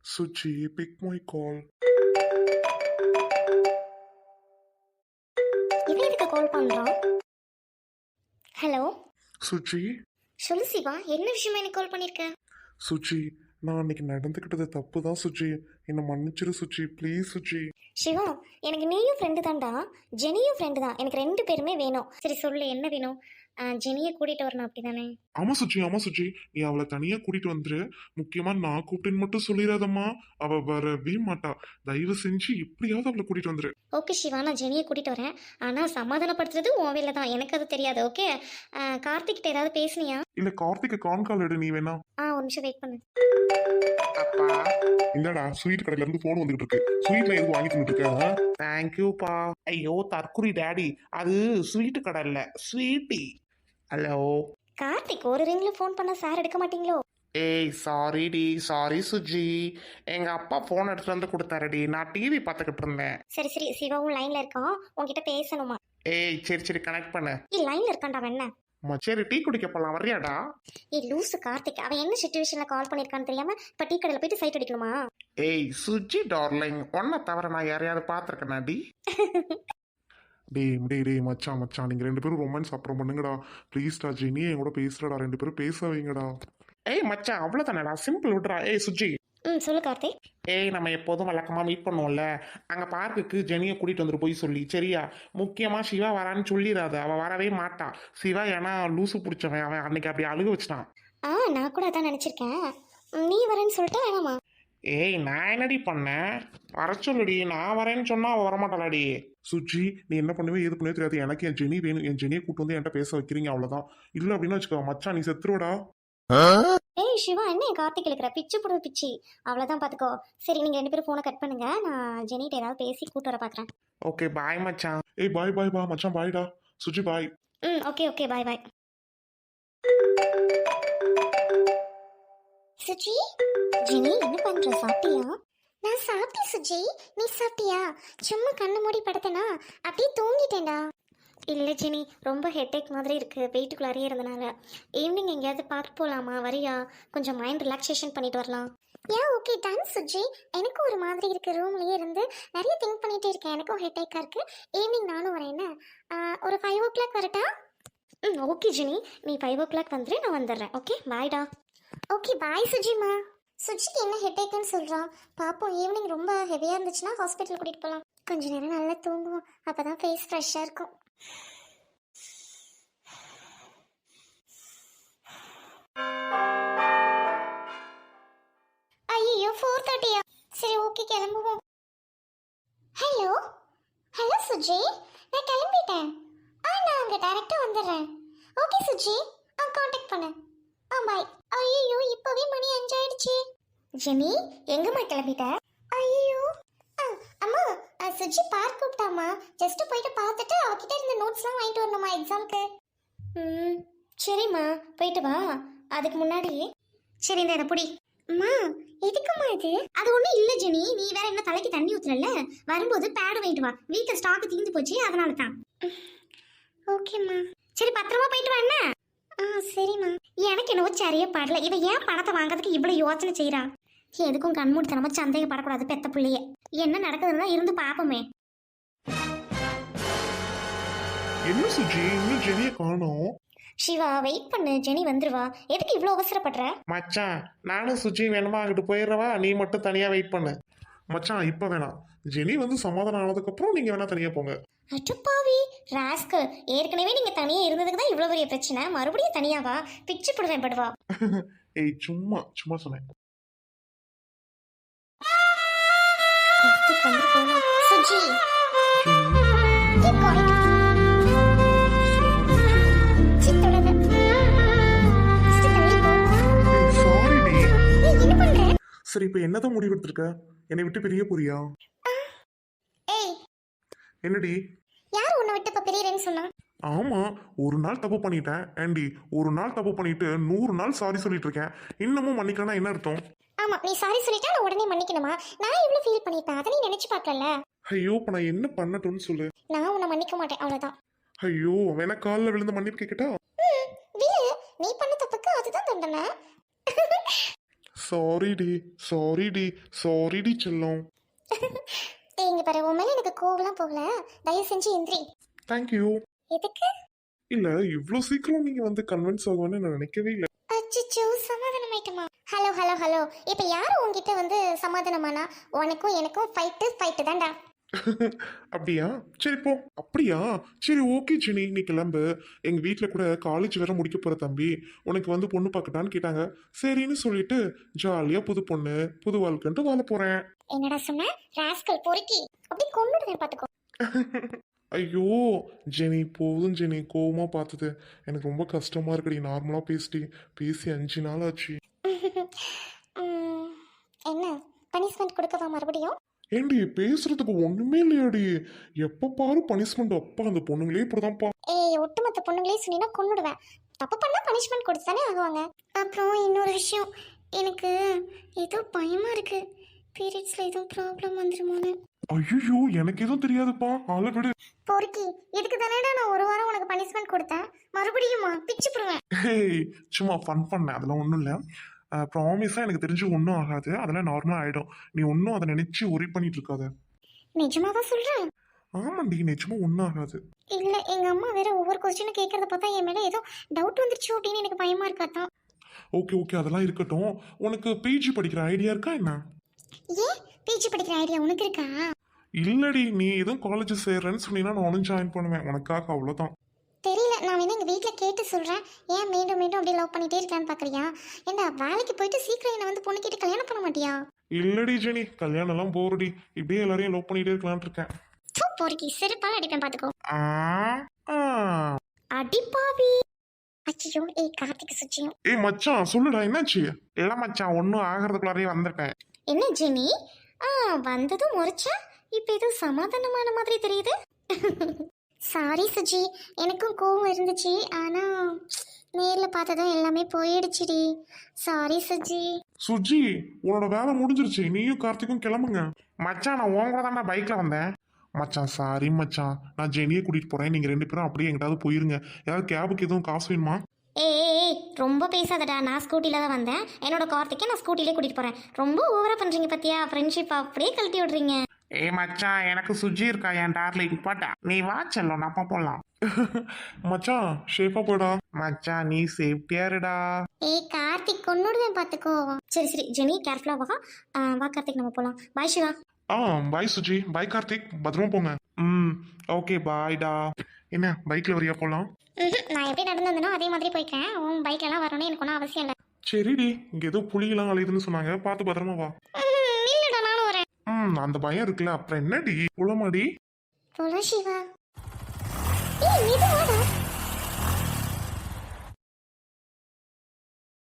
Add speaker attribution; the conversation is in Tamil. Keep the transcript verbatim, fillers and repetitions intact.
Speaker 1: Suchi, pick my call.
Speaker 2: இவன் எதுக்கு கால் பண்றான்? ஹலோ
Speaker 1: Suchi,
Speaker 2: சொல்லு சிவா, என்ன விஷயமா எனக்கு கால் பண்ணிருக்க?
Speaker 1: Suchi, நான் அன்னைக்கு நடந்துக்கிட்டது தப்பு தான் சுச்சி. என்னை மன்னிச்சிரு சுச்சி, ப்ளீஸ் சுச்சி.
Speaker 2: சிவா, எனக்கு நீயும் ஃப்ரெண்டு தான்டா, ஜெனியும் ஃப்ரெண்டு தான். எனக்கு ரெண்டு பேருமே வேணும். சரி சொல்லு, என்ன வேணும்? ஜெனியை கூட்டிட்டு வரணும் அப்படிதானே?
Speaker 1: ஆமா சுச்சி, ஆமா சுச்சி, நீ அவளை தனியா கூட்டிட்டு வந்துரு. முக்கியமா நான் கூப்பிட்டேன்னு மட்டும் சொல்லிடாதம்மா. அவ வரவே மாட்டா. தயவு செஞ்சு எப்படியாவது அவளை கூட்டிட்டு வந்துரு.
Speaker 2: ஓகே சிவா, நான் ஜெனியை கூட்டிட்டு வரேன். ஆனா சமாதானப்படுத்துறது உன் வேலை தான், எனக்கு அது தெரியாது. ஓகே, கார்த்திக் கிட்ட ஏதாவது பேசுனியா?
Speaker 1: இல்ல கார்த்திகை கான் கால் எடு நீ வேணா.
Speaker 2: ஆ ஒரு நிமிஷம் வெயிட் பண்ணு.
Speaker 1: அப்பா இல்லடா, ஸ்வீட் கடையில இருந்து போன் வந்துகிட்டு இருக்கு. ஸ்வீட்ல எதுவும் வாங்கி தந்துட்டு இருக்க?
Speaker 3: தேங்க்யூப்பா. ஐயோ தற்குறி டேடி, அது ஸ்வீட்டு கடை இல்லை, ஸ்வீட்டி. ஹலோ
Speaker 2: கார்த்திக், ஒரு ரிங்ல ஃபோன் பண்ணா சார் எடுக்க மாட்டீங்களோ?
Speaker 3: ஏய் சாரி டி, சாரி சுஜி. எங்க அப்பா ஃபோன் எடுத்துட்டு வந்து கொடுத்தாருடி, நான் டிவி பார்த்துக்கிட்டு இருந்தேன்.
Speaker 2: சரி சரி, சிவாவும் லைன்ல இருக்கான், உன்கிட்ட பேசணுமா?
Speaker 3: ஏய் சரி சரி, கனெக்ட் பண்ணு.
Speaker 2: ஏய் லைன்ல இருக்கான்டா அவன். என்ன
Speaker 3: அம்மா, சரி டீ குடிக்க போலாம், வர்றியாடா?
Speaker 2: ஏய் லூசு கார்த்திக், அவன் என்ன சிச்சுவேஷன்ல கால் பண்ணிருக்கான்னு தெரியாம இப்ப டீ கடையில போயிட்டு சைட் அடிக்கணுமா?
Speaker 3: ஏய் சுஜி டார்லிங், உன்னை தவிர நான் யாரையாவது பார்த்துருக்கேனா டி?
Speaker 1: டேய் டேய் டேய் மச்சான் மச்சான், நீங்க ரெண்டு பேரும் ரொமான்ஸ் அப்புறம் பண்ணுங்கடா ப்ளீஸ்டா. ஜெனி என் கூட பேசுறடா, ரெண்டு பேரும் பேச வைங்கடா.
Speaker 3: ஏய் மச்சான், அவ்வளோதானடா, சிம்பிள் விட்றா. ஏய் சுஜி.
Speaker 2: ம் சொல்லு கார்த்திக்.
Speaker 3: ஏய் நம்ம எப்போதும் வழக்கமாக மீட் பண்ணுவோம்ல, அங்கே பார்க்குக்கு ஜெனியை கூட்டிகிட்டு வந்துட்டு போய் சொல்லி, சரியா? முக்கியமாக சிவா வரான்னு சொல்லிடாத, அவள் வரவே மாட்டான். சிவா ஏன்னா லூசு பிடிச்சவன், அவன் அன்னைக்கு அப்படி அழுக வச்சிட்டான்.
Speaker 2: ஆ நான் கூட அதான் நினச்சிருக்கேன். நீ வரேன்னு சொல்லிட்டு வேணாமா?
Speaker 3: ஏய் நான் என்னடி பண்ணேன்? வர சொல்லுடி, நான் வரேன்னு சொன்னா அவள் வரமாட்டாளாடி.
Speaker 1: சுச்சி, நீ என்ன பண்ணுவே எது பண்ணவே தெரியாது. எனக்கு என் ஜெனி வேணும். என் ஜெனியை கூட்டு வந்து என்கிட்ட பேச வைக்கிறீங்க, அவ்வளவுதான். இல்ல அப்படின்னு வச்சுக்கோ மச்சான், நீ செத்துருவடா.
Speaker 2: ஏய் சிவா, என்ன கார்த்திக் இருக்கிற பிச்சு போடுற பிச்சு, அவ்வளோதான் பார்த்துக்கோ. சரி நீங்கள் ரெண்டு பேரும் ஃபோனை கட் பண்ணுங்க, நான் ஜெனிட்ட ஏதாவது பேசி கூட்டு வர பார்க்குறேன்.
Speaker 3: ஓகே பாய் மச்சான்.
Speaker 1: ஏய் பாய் பாய் பா மச்சான், பாய்டா. சுச்சி பாய்.
Speaker 2: ம் okay okay, bye bye. Suji, Jeni என்ன பண்ற? சாப்பிட்டியா? நான் சாப்பிட்டேன் சுஜி, நீ சாப்பிட்டியா? சும்மா கண்ணு மூடி படுத்தனா அப்படியே தூங்கிட்டேன்டா. இல்லை ஜெனி, ரொம்ப ஹெட்டேக் மாதிரி இருக்குது, வெயிட்டுக்குள்ளாரே இருந்தனால. ஈவினிங் எங்கேயாவது பார்க்க போகலாமா? வரியா? கொஞ்சம் மைண்ட் ரிலாக்ஸேஷன் பண்ணிட்டு வரலாம். ஏன் ஓகே டன் சுஜி, எனக்கும் ஒரு மாதிரி இருக்குது. ரூம்லேயே இருந்து நிறைய திங்க் பண்ணிகிட்டே இருக்கேன், எனக்கும் ஹெட்டேக்காக இருக்குது. ஈவினிங் நானும் வரேன். என்ன ஒரு ஃபைவ் ஓ கிளாக் வரட்டா? ம் ஓகே ஜெனி, நீ ஃபைவ் ஓ கிளாக் வந்துடு, நான் வந்துடுறேன். ஓகே பாய்டா. Okay bye சுஜிமா. சுஜிக்கு என்ன ஹெட்டேக்குன்னு சொல்கிறான், பார்ப்போம். ஈவினிங் ரொம்ப ஹெவியாக இருந்துச்சுன்னா ஹாஸ்பிட்டல் கூட்டிகிட்டு போகலாம். கொஞ்ச நேரம் நல்லா தூங்குவோம், அப்போ தான் ஃபேஸ் ஃப்ரெஷ்ஷாக இருக்கும். ஐயோ ஃபோர் தேர்ட்டியா? சரி ஓகே கிளம்புவோம். ஹலோ ஹலோ சுஜி, நான் கிளம்பிட்டேன். ஆ நான் அங்கே டேரெக்டாக வந்துடுறேன். ஓகே சுஜி, ஆ காண்டாக்ட் பண்ணு. ஆ பாய். ஐயோ இப்போவே மணி அஞ்சாயிடுச்சு. ஜெனி எங்கம்மா கிளம்பிட்ட? ஐயோ அம்மா, சுஜி பார்க் கூப்பிட்டாமா, ஜஸ்ட் போயிட்டு பார்த்துட்டு அவகிட்ட இருந்த நோட்ஸ்லாம் வாங்கிட்டு வரணுமா எக்ஸாமுக்கு. ம் சரிம்மா, போயிட்டு வா. அதுக்கு முன்னாடி சரி இந்த புடி. அம்மா எதுக்குமா இது? அது ஒன்றும் இல்லை ஜெனி, நீ வேற என்ன தலைக்கு தண்ணி ஊற்றுறல, வரும்போது பேடு வாங்கிட்டு வா. வீட்டில் ஸ்டாக்கு தீர்ந்து போச்சு, அதனால தான். ஓகேம்மா. சரி பத்திரமா போயிட்டு வா. என்ன? ஆ சரிம்மா. எனக்கு என்னவோ சரியா பாடல, இவன் ஏன் பணத்தை வாங்குறதுக்கு இவ்வளோ யோசனை செய்கிறா? எதுக்கும் கண்மூடித்தனமா சந்தேகப்படக்கூடாது பெத்த பிள்ளையே. என்ன நடக்குதுன்னு தான் இருந்து பார்ப்போமே.
Speaker 1: என்ன சுஜி, இன்னும் ஜெனியை காணோம்?
Speaker 2: சிவா வெயிட் பண்ணு, ஜெனி வந்துருவா. எதுக்கு இவ்வளோ அவசரப்படுற?
Speaker 3: மச்சான் நானும் சுஜி வேணுமா அங்கிட்டு போயிடுறவா, நீ மட்டும் தனியாக வெயிட் பண்ணு.
Speaker 1: மச்சான் இப்ப வேணாம், ஜெனி வந்து சமாதானம் ஆனதுக்கு அப்புறம் நீங்க வேணா தனியா போங்க.
Speaker 2: அட்டுப்பாவி ராஸ்கல், ஏற்கனவே நீங்க தனியா இருந்ததுக்கு தான் இவ்வளவு பெரிய பிரச்சனை, மறுபடியும் தனியாவா? பிச்சு போடுவேன் படுவா.
Speaker 1: ஏய் சும்மா சும்மா சொன்னேன்.
Speaker 2: Suji keep quiet. சித்தோடது. சித்து தள்ளி போ.
Speaker 1: ஏய் சாரி டி.
Speaker 2: ஏய் என்ன பண்ற?
Speaker 1: சரி இப்ப என்னதான் முடிவு எடுத்திருக்க? என்னை விட்டு பிரிய போறியா?
Speaker 2: ஏய்
Speaker 1: என்னடி?
Speaker 2: யார் உன்னை விட்டு இப்ப பிரியறேன்னு சொன்னா?
Speaker 1: ஆமா, ஒரு நாள் தப்பு பண்ணிட்டேன் ஆண்டி. ஒரு நாள் தப்பு பண்ணிட்டு நூறு நாள் சாரி சொல்லிட்டு இருக்கேன். இன்னமும் மன்னிக்கலன்னா என்ன அர்த்தம்?
Speaker 2: ஆமா, நீ சாரி சொல்லிட்டா நான் உடனே மன்னிக்கணுமா? நான் எவ்வளவு ஃபீல் பண்ணிட்டேன் அதை நீ நினைச்சு பார்க்கல.
Speaker 1: ஐயோ இப்ப நான் என்ன பண்ணட்டும்னு சொல்லு.
Speaker 2: நான் உன்னை மன்னிக்க மாட்டேன், அவ்வளவுதான்.
Speaker 1: ஐயோ வேணா காலில் விழுந்து மன்னிப்பு கேட்கட்டா?
Speaker 2: ம் விடு, நீ பண்ண தப்புக்கு அதுதான் தண்டனை.
Speaker 1: சாரி டி சாரி டி சாரி டி செல்லம்.
Speaker 2: ஏய், இங்க பாரு, உன் மேல எனக்கு கோவம்லாம் போகல. தயவு செஞ்சு எந்திரி.
Speaker 1: தேங்க்யூ.
Speaker 2: எதுக்கு?
Speaker 1: இல்ல இவ்வளோ சீக்கிரம் நீங்க வந்து கன்வின்ஸ் ஆகும்னு நான் நினைக்கவே இல்லை.
Speaker 2: அச்சச்சோ, சமாதானம் ஆயிட்டுமா? ஹலோ ஹலோ ஹலோ, இப்ப யாரு உன்கிட்ட வந்து சமாதானமானா? உனக்கும் எனக்கும் ஃபைட்டு ஃபைட்டு தான்டா.
Speaker 1: அப்படியா சரி போ. அப்படியா சரி ஓகே ஜெனி நீ கிளம்பு. எங்க வீட்ல கூட காலேஜ் வேற முடிக்க போற தம்பி, உனக்கு வந்து பொண்ணு பார்க்கட்டான்னு கேட்டாங்க. சரின்னு சொல்லிட்டு ஜாலியா புது பொண்ணு புது வாழ்க்கைன்ட்டு வாழ போறேன்.
Speaker 2: என்னடா சொன்ன? ராஸ்கல் பொறுக்கி. அப்படி கொன்னுடுவேன் பாத்துக்கோ.
Speaker 1: ஐயோ ஜெனி போதும் ஜெனி, கோவமா பார்த்தது எனக்கு ரொம்ப கஷ்டமா இருக்குடி. நார்மலா பேசிட்டி பேசி அஞ்சு நாள் ஆச்சு.
Speaker 2: ம், என்ன பனிஷ்மெண்ட் கொடுக்கவா மறுபடியும்?
Speaker 1: ஏண்டி பேசுறதுக்கு ஒண்ணுமே இல்லையாடி? எப்ப பாரு பனிஷ்மெண்ட். அப்பா அந்த பொண்ணுங்களே இப்படிதான்ப்பா.
Speaker 2: ஏய், ஒட்டுமொத்த பொண்ணுங்களே சொன்னீங்கன்னா கொன்னுடுவேன். தப்பு பண்ணா பனிஷ்மெண்ட் கொடுத்து தானே ஆகுவாங்க. அப்புறம் இன்னொரு விஷயம், எனக்கு ஏதோ பயமா இருக்கு. பீரியட்ஸ்ல எதுவும் ப்ராப்ளம் வந்துருமோன்னு.
Speaker 1: ஐயோ எனக்கு எதுவும் தெரியாதுப்பா, ஆளை விடு.
Speaker 2: பொறுக்கி, இதுக்கு தானேடா நான் ஒரு வாரம் உனக்கு பனிஷ்மெண்ட் கொடுத்தேன். மறுபடியுமா? பிச்சு போடுவேன்.
Speaker 1: ஹேய் சும்மா ஃபன் பண்ணேன், அதெல்லாம் ஒன்றும் இல்லை. ப்ராமிஸாக எனக்கு தெரிஞ்சு ஒன்றும் ஆகாது, அதெல்லாம் நார்மலாக ஆகிடும். நீ ஒன்றும் அதை நினச்சி ஒரி பண்ணிட்டு இருக்காத.
Speaker 2: நிஜமாவா சொல்றேன்?
Speaker 1: ஆமாண்டி நிஜமா ஒன்றும் ஆகாது.
Speaker 2: இல்ல, எங்க அம்மா வேற ஒவ்வொரு கொஸ்டினும் கேட்கறத பார்த்தா என் மேல ஏதோ டவுட் வந்துருச்சு அப்படின்னு எனக்கு பயமா இருக்காதான்.
Speaker 1: ஓகே ஓகே அதெல்லாம் இருக்கட்டும். உனக்கு பிஜி படிக்கிற ஐடியா இருக்கா என்ன?
Speaker 2: ஏன் பிஜி படிக்கிற ஐடியா உனக்கு இருக்கா?
Speaker 1: இல்லடி நீ எதுவும் காலேஜ் சேர்றேன்னு சொன்னீங்கன்னா நானும் ஜாயின் பண்ணுவேன் உனக்காக, அவ்வளோதான்.
Speaker 2: தெரியல, நான் வேணா எங்க வீட்ல கேட்டு சொல்றேன். ஏன் மீண்டும் மீண்டும் அப்படி லவ் பண்ணிட்டே இருக்கான்னு பாக்குறியா? ஏண்டா வேலைக்கு போயிட்டு சீக்கிரம் என்ன வந்து பொண்ணு கேட்டு கல்யாணம் பண்ண மாட்டியா?
Speaker 1: இல்லடி ஜெனி கல்யாணம் எல்லாம் போறடி, இப்படியே எல்லாரையும் லவ் பண்ணிட்டே இருக்கலாம்னு இருக்கேன்.
Speaker 2: தூ, பொறுக்கி, செருப்பால அடிப்பேன் பாத்துக்கோ.
Speaker 1: ஆ ஆ.
Speaker 2: அடிப்பாவி. அச்சோ, ஏய் கார்த்திக் சுச்சியும்.
Speaker 1: ஏய் மச்சான் சொல்லுடா என்னாச்சு? இல்லை மச்சான் ஒன்றும் ஆகிறதுக்குள்ளாரையே வந்துட்டேன்.
Speaker 2: என்ன ஜெனி? ஆ, வந்ததும் முறைச்சா இப்போ ஏதோ சமாதானமான மாதிரி தெரியுது. சாரி சுஜி, எனக்கும் கோவம் இருந்துச்சு. ஆனா நேர்ல பார்த்ததும் எல்லாமே போயிடுச்சுடி. சாரி சுஜி.
Speaker 1: சுஜி உன்னோட வேலை முடிஞ்சிருச்சு, நீயும் கார்த்திக்கும் கிளம்புங்க.
Speaker 3: மச்சான் நான் உன் கூட தான்டா பைக்ல வந்தேன்.
Speaker 1: மச்சான் சாரி மச்சான், நான் ஜெனியை கூட்டிட்டு போறேன், நீங்க ரெண்டு பேரும் அப்படியே எங்கிட்டாவது போயிருங்க. ஏதாவது கேபுக்கு எதுவும் காசு வேணுமா?
Speaker 2: ஏய் ஏய், ஏய், ரொம்ப பேசாதடா. நான் ஸ்கூட்டில தான் வந்தேன். என்னோட கார்த்திக்கை நான் ஸ்கூட்டிலே கூட்டிட்டு போறேன். ரொம்ப ஓவரா பண்றீங்க பத்தியா? ஃப்ரெண்ட்ஷிப் அப்படியே கழட்டி விடுறீங்க.
Speaker 3: ஏ மச்சான் எனக்கு சுஜி இருக்கா என் டார்லிங் போட்டா. நீ வா செல்லம் நம்ம போலாம்.
Speaker 1: மச்சான் ஷேப்பா போடா.
Speaker 3: மச்சான் நீ சேஃப்டியா இருடா.
Speaker 2: ஏய் கார்த்திக், கொன்னுடுவேன் பாத்துக்கோ. சரி சரி ஜெனி, கேர்ஃபுல்லா வா. ஆ, வா கார்த்திக், நம்ம போலாம். பாய் சிவா.
Speaker 1: ஆ பாய் சுஜி, பாய் கார்த்திக், பத்திரமா போங்க. ம் ஓகே பாய்டா. என்ன பைக்ல வரியா போலாம்?
Speaker 2: ம்ஹும், நான் எப்படி நடந்து வந்தனோ அதே மாதிரி போய்க்கிறேன். உன் பைக்ல எல்லாம் வரணும்னு எனக்கு ஒன்றும் அவசியம் இல்லை.
Speaker 1: சரிடி, இங்க ஏதோ புலியெல்லாம் அலையுதுன்னு சொன்னாங்க, பார்த்து பத்திரமா வா.
Speaker 2: ம், இல்லடா, நானும் வரேன்.
Speaker 1: ம் அந்த பயம் இருக்குல்ல, அப்புறம் என்னடி புலமாடி.
Speaker 2: போலாம் சிவா. ஏய், இது வாடா.